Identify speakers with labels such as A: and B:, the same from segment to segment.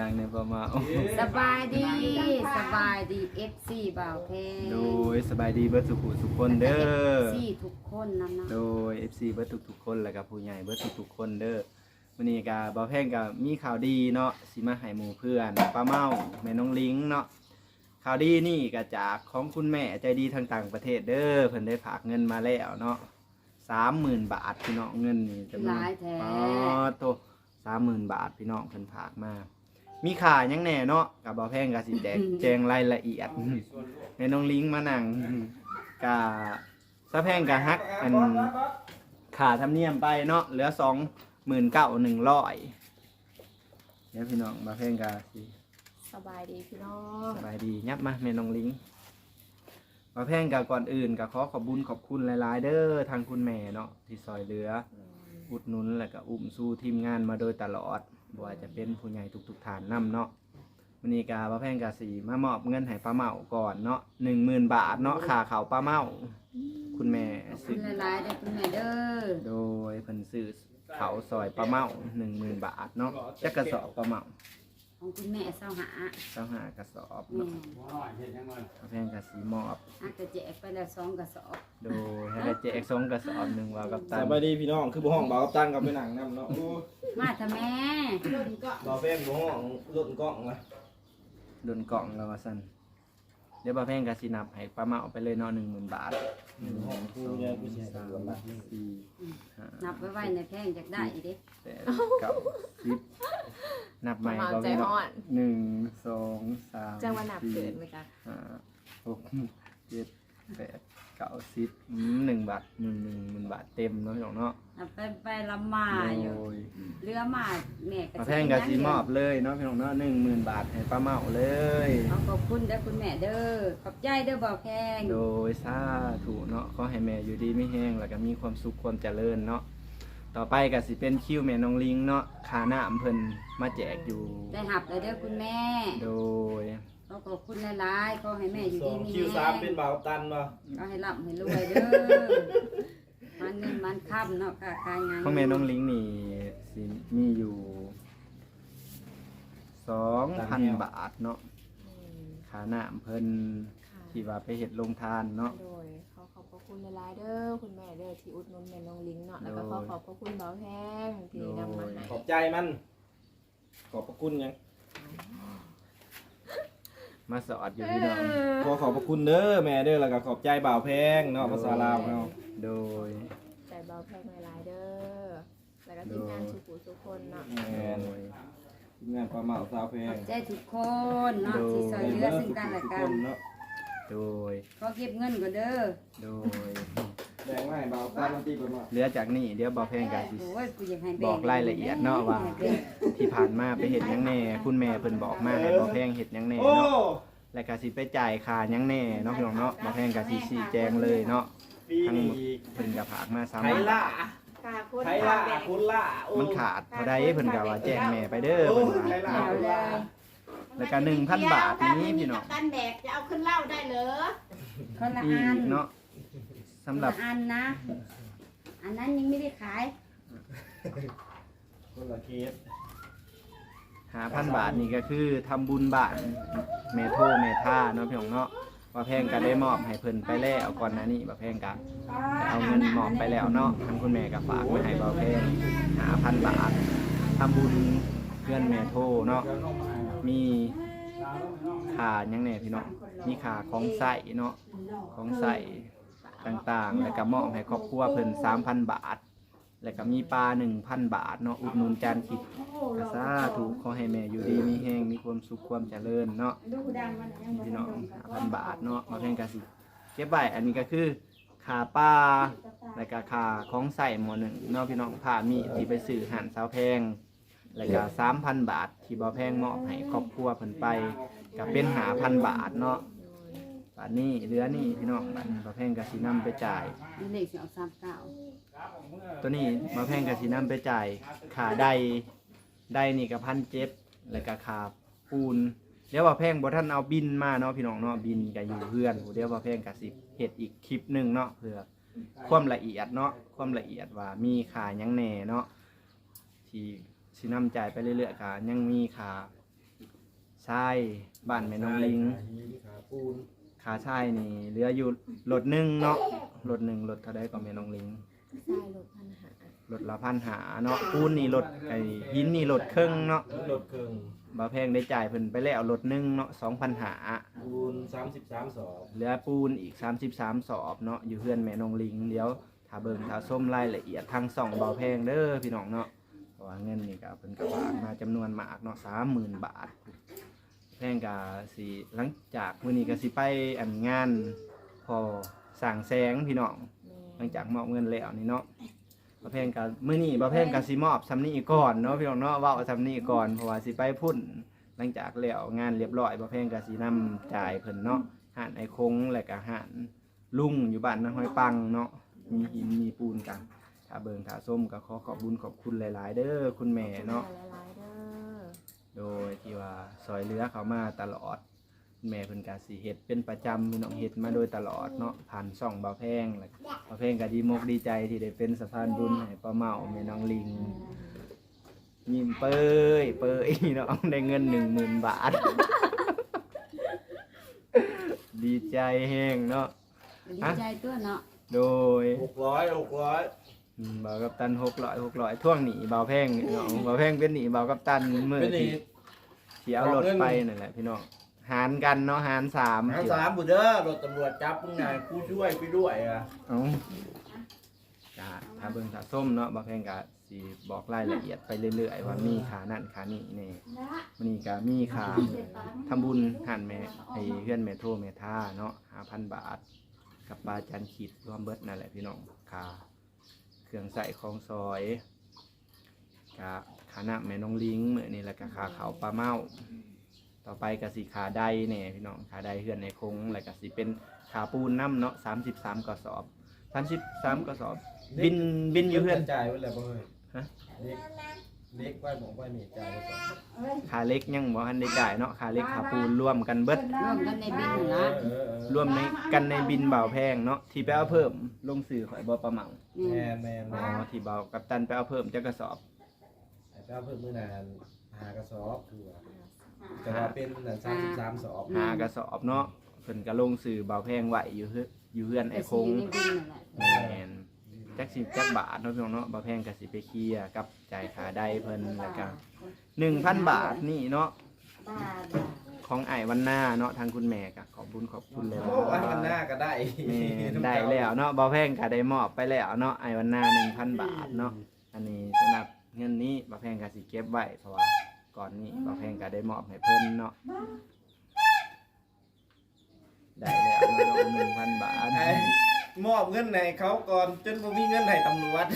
A: างในประมาณ
B: สบายดีFC บ่าวแพง
A: โดยสบายดีเบิดทุกคนเด้อ
B: FC ทุกคนนำนะ
A: โดย FC เบิดทุกคนแล้วก็ผู้ใหญ่เบิดทุกคนเด้อมื้อนี้ก็บ่าวแพงก็มีข่าวดีเนาะสิมาให้หมู่เพื่อนป้าเมาแม่น้องลิงเนาะข่าวดีนี่ก็จากของคุณแม่ใจดีทางต่างประเทศเด้อเพิ่นได้ฝากเงินมาแล้วเนาะ 30,000 บาทพี่น้องเงินนี่จำนวนโต 30,000 บาทพี่น้องเพิ่นฝากมามีค่าหยังแน่เนาะก็บ่าวแพงก็สิแจ้งรายละเอียดแม่น้องลิงมานั่งก็ซะแพงก็ฮักอันค่าธรรมเนียมไปเนาะเหลือ 29,100เดี๋ยวพี่น้องบ่าวแพงก็สิ
C: สบายดีพี่น้อง
A: สบายดียับมาแม่น้องลิงบ่าวแพงก็ก่อนอื่นก็ขอบคุญขอบคุณหลายๆเด้อทางคุณแม่เนาะที่ซอยเหลืออุดหนุนแล้วก็อุ้มสู้ทีมงานมาโดยตลอดบ่ว่าจะเป็นผู้ใหญ่ทุกฐานนำเนาะวันนี้ก็บ่าวแพงก็สิมามอบเงินให้ป้าเมาก่อนเนาะ 10,000 บาทเนาะค่าข้าวป้าเมาคุณแม่
B: ซื้อหลายๆได้คุณแม่เด้อ
A: โดยเพิ่นซื้อข้าวซอยป้าเมา 10,000 บาทเนาะจักกระสอบป้าเมา
B: ของคุณแม่25
A: กระสอบเนาะบ่าวแพงก็สิมอบ
B: จะแจกไปแล้ว2กระสอบ
A: โดยให้ได้แจก2กระสอบ1ว่ากับตัน
D: สบายดีพี่น้องคือบ่ห้องบ่าวกับตันกับไปหนังนำเนาะ
B: มาทำแม่
D: บ่าวแพงบ่ห้องรถกล้องวะ
A: โดนกล่องแล้วว่าซั่นเดี๋ยวบ่าวแพงก็สินับให้ป้าเมาไปเลยเนาะ 10,000 บาท
D: ห้องกูเนี่ยกูสิให้ดูว่า
B: นับไว้ในแพงจักได้อีเด้
A: 9 10นับใหม่ก็มีเนาะ1 2 3
C: จังว่านับเกิดมั้ยจ๊ะ
A: 5 6 7 8 9 10 1 บาท10,000 บาทเต็มเนาะพี่น้องเนาะ
B: ไปลำมาอยู่เรือมาแม่
A: ก็แพงก็สิมอบเลยเนาะพี่น้องเนาะ 10,000 บาทให้ป้าเมาเลย
B: ขอบคุณเด้อคุณแม่เด้อขอบใจเด้อบ่าวแพง
A: โดยสาธุเนาะขอให้แม่อยู่ดีไม่แห้งแล้วก็มีความสุขความเจริญเนาะต่อไปก็สิเป็นคิวแม่น้องลิงเนาะค่าน้ำเพิ่นมาแจกอยู่
B: ได้หับเลยเด้อคุณแม่
A: โดย
B: ขอบคุณหลายๆขอให้แม่อยู่ดีมีแรง
D: คิว3เป็นบ่าวตันบ่
B: ก็ให้ร่ำให้รวยเด้อมันเงินมันค่ำเนาะค่ะการงาน
A: ของแม่น้องลิงนี่สิมีอยู่ 2,000 บาทเนาะค่าน้ำเพิ่นที่ว่าไปเฮ็ดโรงทานเนาะ
C: โดยขอบพระคุณหลายๆเด้อคุณแม่เด้อที่อุดหนุนแม่น้องลิงเนาะแล้วก็ขอบพระคุณบ่าวแพงที่นำมาให้
D: ขอบใจมันขอบพระคุณยัง
A: มาสอดอยู่พี่น้อง
D: ขอบพระคุณเด้อแม่เด้อแล้วก็ขอบใจบ่าวแพงเนาะภาษาลาวเนาะ
A: โดย
C: ใจบ่าวแพงหลายๆเด้อแล้วก็ทีมงานทุกคนเนาะ
D: ทีมงานป้าเมาสาวแพง
B: ใจทุกคนเนาะที่ช่วยเหลือซึ่งกันและกัน
A: โดย
B: ขอเก็บเงินก่อนเด้อ
A: โดย
D: แบ่งไว้บ่าวตันที่เพิ่นว่า
A: เหลือจากนี้เดี๋ยวบ่าวแพงก็สิบอกรายละเอียดเนาะว่าที่ผ่านมาไปเฮ็ดหยังแน่คุณแม่เพิ่นบอกมาให้บ่าวแพงเฮ็ดหยังแน่เนาะแล้วก็สิไปจ่ายค่าหยังแน่เนาะพี่น้องเนาะบ่าวแพงก็สิชี้แจงเลยเนาะทั้งเพิ่นก็ฝากมา3
D: ไผล่ะคุณล่ะ
A: มันขาดเท่าใดเพิ่นก็ว่าแจ้งแม่ไปเด้อเพิ่นว่าแล้วก็ 1,000 บาทนี้พี่น้อง
E: กันแบกจะเอาขึ้นเหล้าได้เหรอ
B: คนละอัน
A: เนาะสำหรับ
B: อันนะอันนั้นยังไม่ได้ขาย
D: คนละเคส
A: 5,000 บาทนี่ก็คือทำบุญบ้านแม่โทแม่ท่าเนาะพี่น้องเนาะบ่าวแพงก็ได้มอบให้เพิ่นไปแล้วก่อนหน้านี้บ่าวแพงก็เอาเงินมอบไปแล้วเนาะทางคุณแม่ก็ฝากไว้ให้บ่าวแพง 5,000 บาททำบุญเพื่อนแม่โทเนาะมีค่าหยังแน่พี่น้องมีค่าของใช้เนาะของใช้ต่างๆแล้วก็มอบให้ครอบครัวเพิ่น 3,000 บาทแล้วก็มีปลา 1,000 บาทเนาะอุดหนุนจานคิดก็สาธุขอให้แม่อยู่ดีมีแรงมีความสุขความเจริญเนาะพี่น้อง 5,000 บาทเนาะมาแพงก็สิเก็บไว้อันนี้ก็คือค่าปลาแล้วก็ค่าของใช้หม้อ1เนาะพี่น้องผ้ามีที่ไปซื้อหานสาวแพงแล้วก็ 3,000 บาทที่บ่าวแพงมอบให้ครอบครัวเพิ่นไปก็เป็น 5,000 บาทเนาะบาทนี้เหลือนี่พี่น้องบาทนี้บ่าวแพงก็สินำไปจ่าย
B: เลขสิเอา39
A: ตัวนี้บ่าวแพงก็สินำไปจ่ายค่าใดนี่ก็ 1,700 แล้วก็ค่าปูนเดี๋ยวบ่าวแพงบ่ทันเอาบินมาเนาะพี่น้องเนาะบินก็อยู่เพื่อนเดี๋ยวบ่าวแพงก็สิเฮ็ดอีกคลิปนึงเนาะเพื่อความละเอียดเนาะความละเอียดว่ามีค่าหยังแน่เนาะที่สินำจ่ายไปเรื่อยๆก็ยังมีค่าทรายบ้านแม่น้องลิง
D: ขาปูน
A: ขาทรายนี่เหลืออยู่รถหนึงเนาะรถหนึงรถเท่าใดก็แม่น้องลิง
C: ใช่รถพันหาร
A: ถละ1,500เนาะปูนนี่รถไอ้หินนี่รถครึ่งเนาะ
D: รถเครื่อง
A: บ่แพงได้จ่ายเพิ่นไปแล้วรถหนึงเนาะ2,500
D: ปูน33สอบ
A: เหลือปูนอีก33สอบเนาะอยู่เพื่อนแม่น้องลิงเดี๋ยวถ้าเบิ่งถ้าส้มรายละเอียดทาง2เบาแพงเด้อพี่น้องเนาะเพราะว่าเงินนี่ก็เพิ่นก็ฝากมาจำนวนมากเนาะ30,000 บาทแพงก็สิหลังจากมื้อนี้ก็สิไปอันงานพอสร้างแสงพี่น้องหลังจากมอบเงินแล้วนี่เนาะบ่แพงก็มื้อนี้บ่แพงก็สิมอบซำนี้ก่อนเนาะพี่น้องเนาะเว้าซำนี้ก่อนเพราะว่าสิไปพุ่นหลังจากแล้วงานเรียบร้อยบ่แพงก็สินำจ่ายเพิ่นเนาะหานไอ้คงและก็หานลุงอยู่บ้านนาห้อยปังเนาะมีหินมีปูนกันถ้าเบิ่งถ้าส้มก็ขอขอบบุญขอบคุณหลายๆเด้อคุณแม่เนาะ
C: หลายๆเด้อ
A: โดยที่ว่าซอยเหลือเขามาตลอดแม่เพิ่นก็สิเฮ็ดเป็นประจำพี่น้องเฮ็ดมาโดยตลอดเนาะผ่านช่องเบาแพงแล้วเบาแพงก็ดีมกดีใจที่ได้เป็นสะพานบุญให้ป้าเมาแม่น้องลิงยิ้มเป้ยเนาะได้เงิน 10,000 บาท ดีใจแฮงเนาะ
B: ดีใจตัวเนาะ
A: โดย
D: 600
A: บ่าวกับตัน600ท่วงหนีบ่าวแพงนี่เนาะบ่าวแพงเป็นหนีบ่าวกับตันมื้อ
D: เป็นนี่
A: ที่เอารถไปนั่นแหละพี่น้องหารกันเนาะหาร3
D: หา3บุเด้อรถตำรวจจับมึงไงกูช่วยไปด้วยอ่ะ
A: เอ้าก็ถ้าเบิ่งถ้าส้มเนาะบ่าวแพงก็สิบอกรายละเอียดไปเรื่อยๆว่ามีค่านั่นค่านี่นี่มื้อนี้ก็มีค่าทำบุญหันแม่ไอ้เฮือนแม่โทแม่ท่าเนาะ 5,000 บาท กับปลาจันขีดรวมเบิดนั่นแหละพี่น้องค่าเครื่องใส่ของซอยค่าน้ำแม่น้องลิงมื้อนี้แล้วก็ค่าข้าวปลาเมาต่อไปก็สิค่าใดแน่พี่น้องค่าใดเฮือนในคงแล้วก็สิเป็นค่าปูนน้ำเนาะ33กระสอบ33กระสอบบินอยู่เฮือน
D: จ่ายไว้แล้วบ่เฮ้ย
A: ฮะ
D: เล็กไว้บอกไว้นี่จ่ายไว้ก่อน
A: ค่าเล็กยังบ่ทันได้จ่ายเนาะค่าเล็กค่าปูนรวมกันเบิด
B: ร่วมกันในบินนะ
A: รวมในกันในบินเบาแพงเนาะที่ไปเอาเพิ่มลงสื่อข่อยบ่ประเมา
D: แม่น
A: อ๋อที่เบากับตันไปเอาเพิ่มจักกระสอบ
D: ไอ้เจ้าเพิ่มมื้อนาน5กระสอบคือว่าแต่ว่าเป็น33สอบ
A: 5กระสอบเนาะเพิ่นก็ลงสื่อเบาแพงไว้อยู่เฮือนไอ้คง
B: ในบินนั่นแหละ
A: แม่นจักสิจักบาทเนาะพี่น้องเนาะเบาแพงก็สิไปเคลียร์กับจ่ายค่าใดเพิ่นแล้วก็ 1,000 บาทนี่เนาะของไอ้วันหน้าเนาะทางคุณแม่ก็ขอบคุณเลย
D: โอ้อันมันหน้าก็ได้
A: แม่ได้แล้วเนาะเบาแพงก็ได้มอบไปแล้วเนาะไอ้วันหน้า 1,000 บาทเนาะอันนี้สำหรับเงินนี้เบาแพงก็สิเก็บไว้เพราะว่าก่อนนี้เบาแพงก็ได้มอบให้เพิ่นเนาะได้แล้วเนาะ 1,000 บาท
D: ไอ้มอบเงินให้เขาก่อนจนบ่มีเงินให้ตำรวจ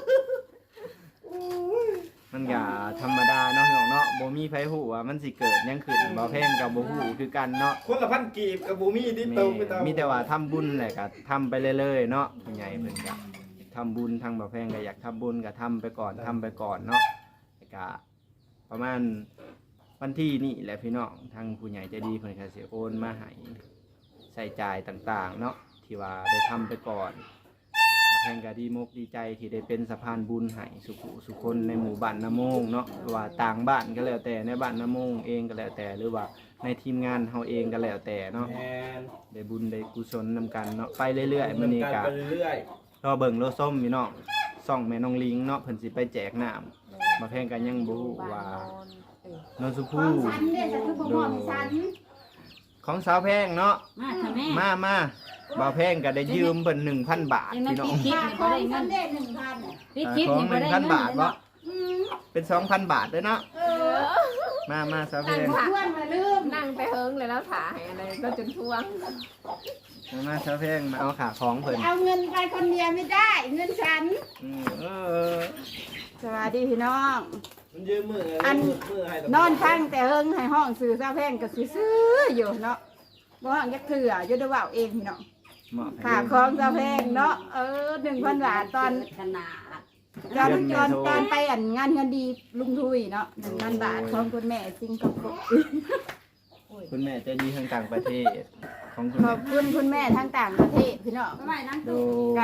A: มันก็ธรรมดาเนาะพี่น้องเนาะบ่มีไผฮู้ว่ามันสิเกิดหยังขึ้นเบาแพงก็บ่ฮู้คือกันเนาะ
D: คนละพันกีบกับบูมี่ที่โตไปตาม
A: มีแต่ว่าทำบุญแหละก็ทำไปเรื่อยๆเนาะผู้ใหญ่เพิ่นก็ทำบุญทางบ่แพงก็อยากทำบุญก็ทำไปก่อนเนาะแล้วก็ประมาณวันที่นี่แหละพี่น้องทางผู้ใหญ่ใจดีเพิ่นก็สิโอนมาให้ใช้จ่ายต่างๆเนาะที่ว่าได้ทำไปก่อนบ่แพงก็ดีมกดีใจที่ได้เป็นสะพานบุญให้สุคนในหมู่บ้านนาโมงเนาะหรือว่าต่างบ้านก็แล้วแต่ในบ้านนาโมงเองก็แล้วแต่หรือว่าในทีมงานเฮาเองก็แล้วแต่เนาะ
D: แมน
A: ได้บุญได้กุศลนำกันเนาะไปเรื่อยๆมื้อนี้ก็
D: ไปเรื่อย
A: รอเบิ่งรอส้มพี่น้องส่องแม่น้องลิงเนาะเพิ่นสิไปแจกน้ำมาแพงกันยังบ่ฮู้ว่า นนสุ
E: ข
A: ภู
E: องฉันเนี่ยจะคือบ่มอบให้ฉัน
A: ของสาวแพงเนาะ
B: มาทำแม่
A: มาบ่าวแพงก็ได้ยืมเพิ่น 1,000 บาท
B: ยังนั่
A: พี่
B: น
A: น้อง
B: คิด
E: ค่า
B: นี่
E: ข
B: บ่
E: อง
B: ได้
E: ฉั
B: เงิ
E: น
B: น
E: ได้1,000น่ะ
B: พี่คิด
A: ของ
B: นี่บ่ได้เงิน
A: 1,000 บาทบ่
E: อืม
A: เป็น 2,000 บาทเด้อเนาะ
E: เออ
A: มาสาวแพง
E: เพื่อนมาลืม
C: นั่งไปเฮิงเลยแล้วถ่าให้อะไรก็จนท่วง
A: มาสาวแพงมาเอาขาของเพิ่น
E: เอาเงินไปคนเดียวไม่ได้ เงินฉัน
A: เออ
F: สวัสดีพี่น้อง
D: ๆมันยืมมือ
F: อัน
D: มือให้ตำรวจ
F: นอนข้างแต่เฮิงให้ห้องซื้อซาแพงก็สิซื้ออยู่เนาะบ่ห้องยักเถื่ออยู่ได้เว้าเองพี่น้อง
A: เหมาะให้
F: ค่าของซาแพงเนาะ1,000 บาทตอน
B: ขนาด
F: ตอนไปอันงานเงินดีลุงทุยเนาะ1,000 บาทของคุณแม่สิงคโปร์
A: คุณแม่ใจดีทางต่างประเทศของคุณ
F: ข
A: แม่
F: อบคุณคุณแม่ทั้งต่างประเทศพี่น้อง
B: ทำไมนั่ง
A: โด
F: ก็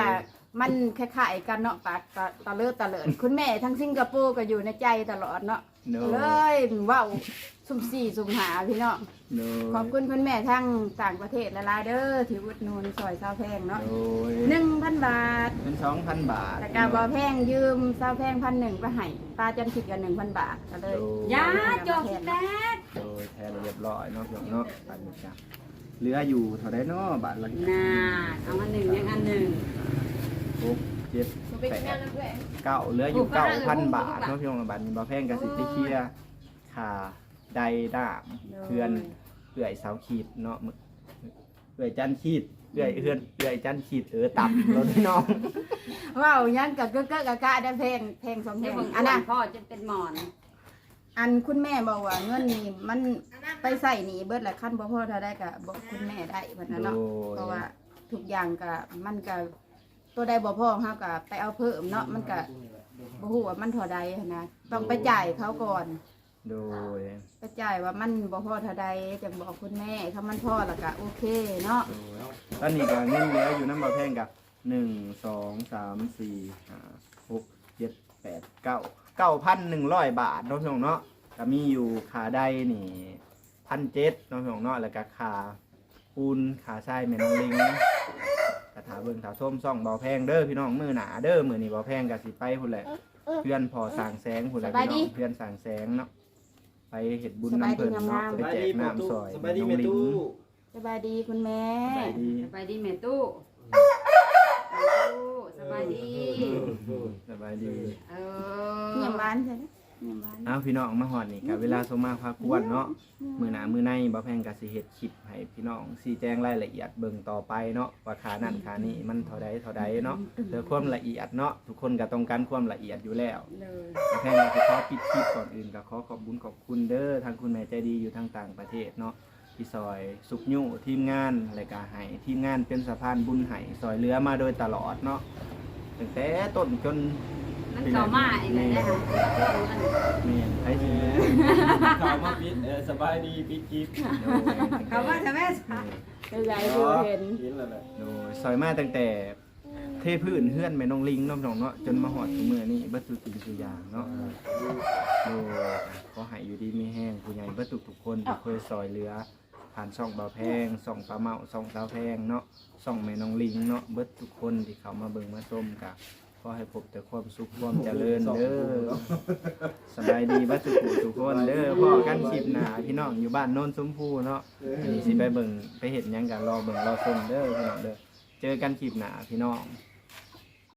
F: มันคล้ายๆกันเนาะปากตะเลิดตะเลิดคุณแม่ทั้งสิงคโปร์ก็อยู่ในใจตลอดเนาะ
A: โด
F: เลยเว้าสุ่มสี่สุ่มหาพี่น้อง
A: โด
F: ขอบคุณคุณแม่ทั้งต่างประเทศหลายๆเด้อที่อุดหนุนซอยเซาแพงเนาะ
A: โดย
F: 1,000 บาท
A: เป็น 2,000 บาท
F: แต่กาบ่แพงยืมเซาแพง1,000ไปให้ป้าจันคิดกัน 1,000 บาทก็เลย
B: ยาจอกแตก
A: โดยแทนเรียบร้อยเนาะพี่น้องเนาะบาทนี้จ้ะเหลืออยู่เท่าใดเนาะบาทละ
B: น่าเอาอันหนึ่งยังอันหนึ่ง
A: 6 7
C: เป็นแม่
A: 8
C: แล้วด้วย
A: 9เหลืออยู่ 9,000 บาทเนาะพี่น้องบาทนี้บ่แพงก็สิไปเคลียร์ค่าใดด่ามเพื่อนเอื้อยเสาขีดเนาะเอื้อยจันขีดเอื้อยจันขีดต่ำรถพี่น้อง
F: เว้ายังก็เก้อกะกะได้แพง2แพ
B: เดี๋ยว
F: ง
B: ผม
F: อันน่ะ
B: พ่อจะเป็นหมอน
F: อันคุณแม่บอกว่าเงินนี่มันไปใส่หนีเบิดแหละขั้นบ่พอเท่าได้ก็บอกคุณแม่ได้เพิ่นน่ะเนาะ
A: โดย
F: เพราะว่าทุกอย่างก็มันก็ตัวใดบ่พอเฮาก็ไปเอาเพิ่มเนาะมันก็บ่ฮู้ว่ามันเท่าใดหั้นนะต้องไปจ่ายเขาก่อน
A: โดย
F: ไปจ่ายว่ามันบ่พอเท่าใดจังบอกคุณแม่ถ้ามันพอแล้วก็โอเคเนาะ
A: ตอนนี้ก็เงินเหลืออยู่น้ำบ่แพงกับ1 2 3 4 5 6 7 8 9 9,100 บาทเนาะพี่น้องเนาะก็มีอยู่ค่าใดนี่1,700เนาะพี่น้องเนาะแล้วก็ค่าปูนค่าทรายแม่น้องลิงกระถาเบิ่งถาส้มซ่องบ่แพงเด้อพี่น้องมื้อหน้าเด้อมื้อนี้บ่แพงก็สิไปพุ่นแหละเพื่อนพอสร้างแสงพุ่นแหละพี่น้องเพื่อนสร้างแสงเนาะไปเฮ็ดบุญน้ำเพิ่นเนาะไปแจกน้ำซอย
D: สบายดี
A: น้อง
D: แม่
A: ลิง
D: ตู้
F: สบายดีคุณแม่
A: สบายดี
B: สบายดีแม่ตู้สบายดี
A: สบายดี
B: เอ
F: เงียบ
B: อ
F: บ้านใช่ไหมเงียบบ้าน
A: เอาพี่น้องมาหอดนี่กับเวลาสมมาพากวนเนาะมือหนามือในบ่แพงกับสิเฮ็ดคลิปให้พี่น้องชี้แจงรายละเอียดเบิ่งต่อไปเนาะว่าขานั่นขานี่มันเท่าใดเนาะเพื่อความละเอียดเนาะทุกคนก็ต้องการความละเอียดอยู่แล้ว
B: เลย
A: บ่แพงก็ขอปิดคลิปก่อนอื่นก็ขอขอบคุญขอบคุณเด้อทางคุณแม่ใจดีอยู่ทางต่างประเทศเนาะที่ซอยสุขยุ่ทีมงานรายการให้ทีมงานเป็นสะพานบุญให้ซอยเหลือมาโดยตลอดเนาะตั้งแต่ต้นจน
B: มันเก่ามาเองเลยนะคะ
A: แม่นไผสิ
D: ข่าวมาปิดสบายดีปิดคลิป
B: เขาว่าจะแม่
F: ก็ยายดูเห็น
D: เห็นแล้วแหละ
A: โดยซอยมาตั้งแต่เทพื้นเฮือนแม่น้องลิงเนาะเนาะจนมาหอดทุกมื้อนี้เบิดทุกสิ่งทุกอย่างเนาะโดยขอให้อยู่ดีมีแห้งผู้ใหญ่เบิดทุกคนที่เคยซอยเหลือผ่านช่องเบาแพงช่องปลาเมาช่องสาวแพงเนาะช่องแม่น้องลิงเนาะเบิดทุกคนที่เขามาเบิ่งมาชมกะขอให้พบแต่ความสุขความเจริญเด้อสบายดีเบิดทุกคนเด้อพ่อกันคลิปหน้าพี่น้องอยู่บ้านโน้นชมพูเนาะอันนี้สิไปเบิ่งไปเฮ็ดหยังกันรอเบิ่งรอชมเด้อพี่น้องเด้อเจอกันคลิปหน้าพี่น้อง